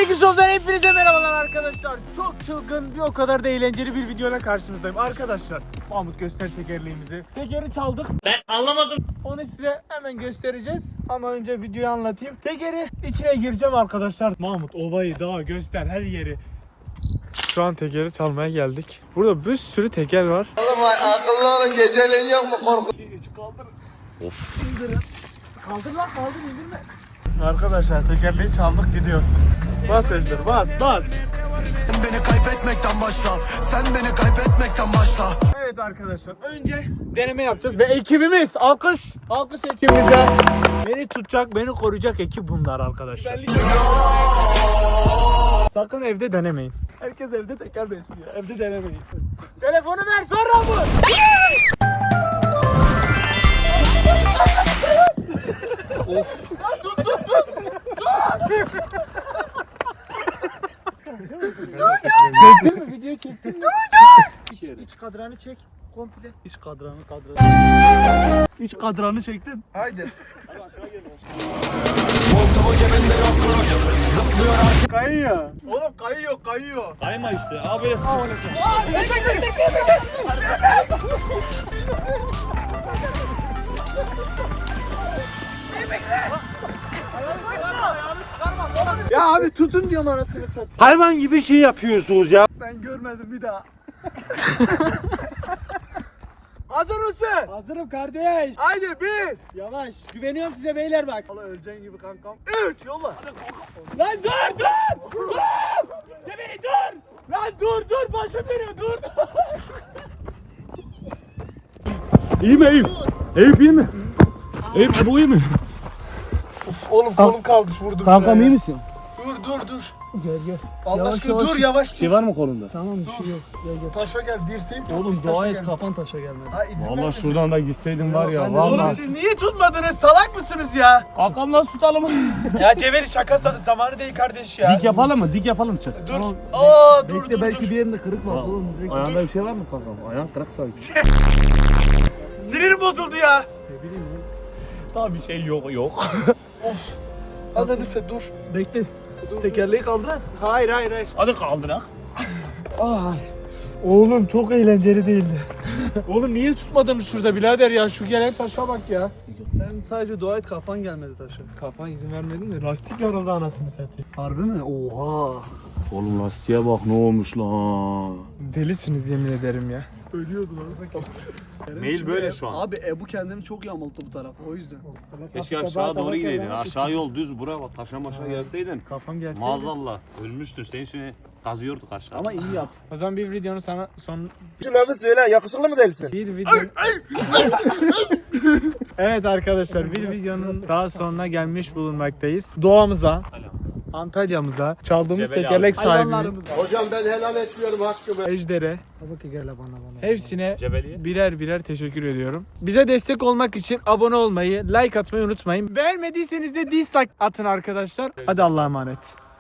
Tekishop'tan hepinize merhabalar arkadaşlar. Çok çılgın bir o kadar da eğlenceli bir videoyla karşınızdayım. Arkadaşlar Mahmut göster tekerleğimizi. Tekeri çaldık. Ben anlamadım. Onu size hemen göstereceğiz. Ama önce videoyu anlatayım. Tekeri içine gireceğim arkadaşlar. Mahmut ovayı daha göster her yeri. Şu an tekeri çalmaya geldik. Burada bir sürü teker var. Oğlum akıllı olun, geceleyin yok mu korku? 2, 3 kaldır. Of. İndirin. Kaldır lan, kaldır, indirme. Arkadaşlar tekerleği çaldık, gidiyoruz. Bas Ejder, bas. Beni kaybetmekten başla, sen beni kaybetmekten başla. Evet arkadaşlar, önce deneme yapacağız ve ekibimiz, alkış ekibimize. Beni tutacak, beni koruyacak ekip bunlar arkadaşlar. Sakın evde denemeyin. Herkes evde teker besliyor, evde denemeyin. Telefonu ver, sonra bu. Of. Çektin mi? Video çektin mi? İç kadranı çek. Komple. İç kadranı. İç kadranı çektim. Haydi. Kayıyor. Oğlum kayıyor. Kayma işte. Abi böyle Ya abi tutun diyorum anasını satayım. hayvan gibi şey yapıyorsunuz ya. Ben görmedim bir daha. Hazır mısın? Hazırım kardeş. Haydi bir. Yavaş. Güveniyorum size beyler bak. Allah öleceğin gibi kankam. 3 yolla. Lan dur. Cebeli dur. Lan dur başım dönüyor dur. İyi mi Eyüp? Eyüp iyi mi? Eyüp bu iyi mi? Oğlum kolum kaldı vurdum. Kankam iyi misin? Dur. Gel. Allah aşkına dur yavaş dur. Şey var mı kolunda? Tamam bir şey yok. Gel. Taşa gel dirseğim çok Oğlum pis dua taşa et geldi. kafan taşa gelmedi. Ha, izin Vallahi vermedi. şuradan da gitseydin var ya. Oğlum Vallahi. siz niye tutmadınız? Salak mısınız ya? Kankam nasıl tutalım? Ya Ceveli şaka zamanı değil kardeş ya. Dik yapalım mı? Dik yapalım çık. Dur. Aa dur. Bir yerinde kırık var oğlum. Ayağında bir şey var mı kankam? Ayağın kırık sanki. Sinirim bozuldu ya. Daha bir şey yok. Anladın sen dur. Bekle. Tekerleği kaldırak. Hayır. Hadi kaldırak. Ay. Oğlum çok eğlenceli değildi. Oğlum niye tutmadın şurada birader ya? Şu gelen taşa bak ya. Sen sadece dua et kafan gelmedi taşa. Kafan izin vermedin de lastik yoruldu anasını satayım. Harbi mi? Oha. Oğlum lastiğe bak ne olmuş lan. Delisiniz yemin ederim ya. Ölüyordu lan. Mail böyle şu an. Abi Ebu kendini çok yamulttu bu tarafa o yüzden. Keşke aşağı doğru gideydin. Aşağı yol düz buraya bak taşa maşa gelseydin. Kafam gelseydi. Maazallah ölmüştün. Senin için kazıyorduk aşağı. Ama iyi yap. O zaman bir videonun sana son Şunları söyle, yakışıklı mı değilsin? bir video. Evet arkadaşlar bir videonun daha sonuna gelmiş bulunmaktayız. Doğamıza, Antalya'mıza, çaldığımız Cebeli tekerlek sahibine, Hayvanlarımız. Hocam ben helal etmiyorum hakkımı. Ejder'e, Baba tekerle bana. hepsine Cebeliye. birer teşekkür ediyorum. Bize destek olmak için abone olmayı, like atmayı unutmayın. Beğenmediyseniz de dislike atın arkadaşlar. Hadi Allah'a emanet.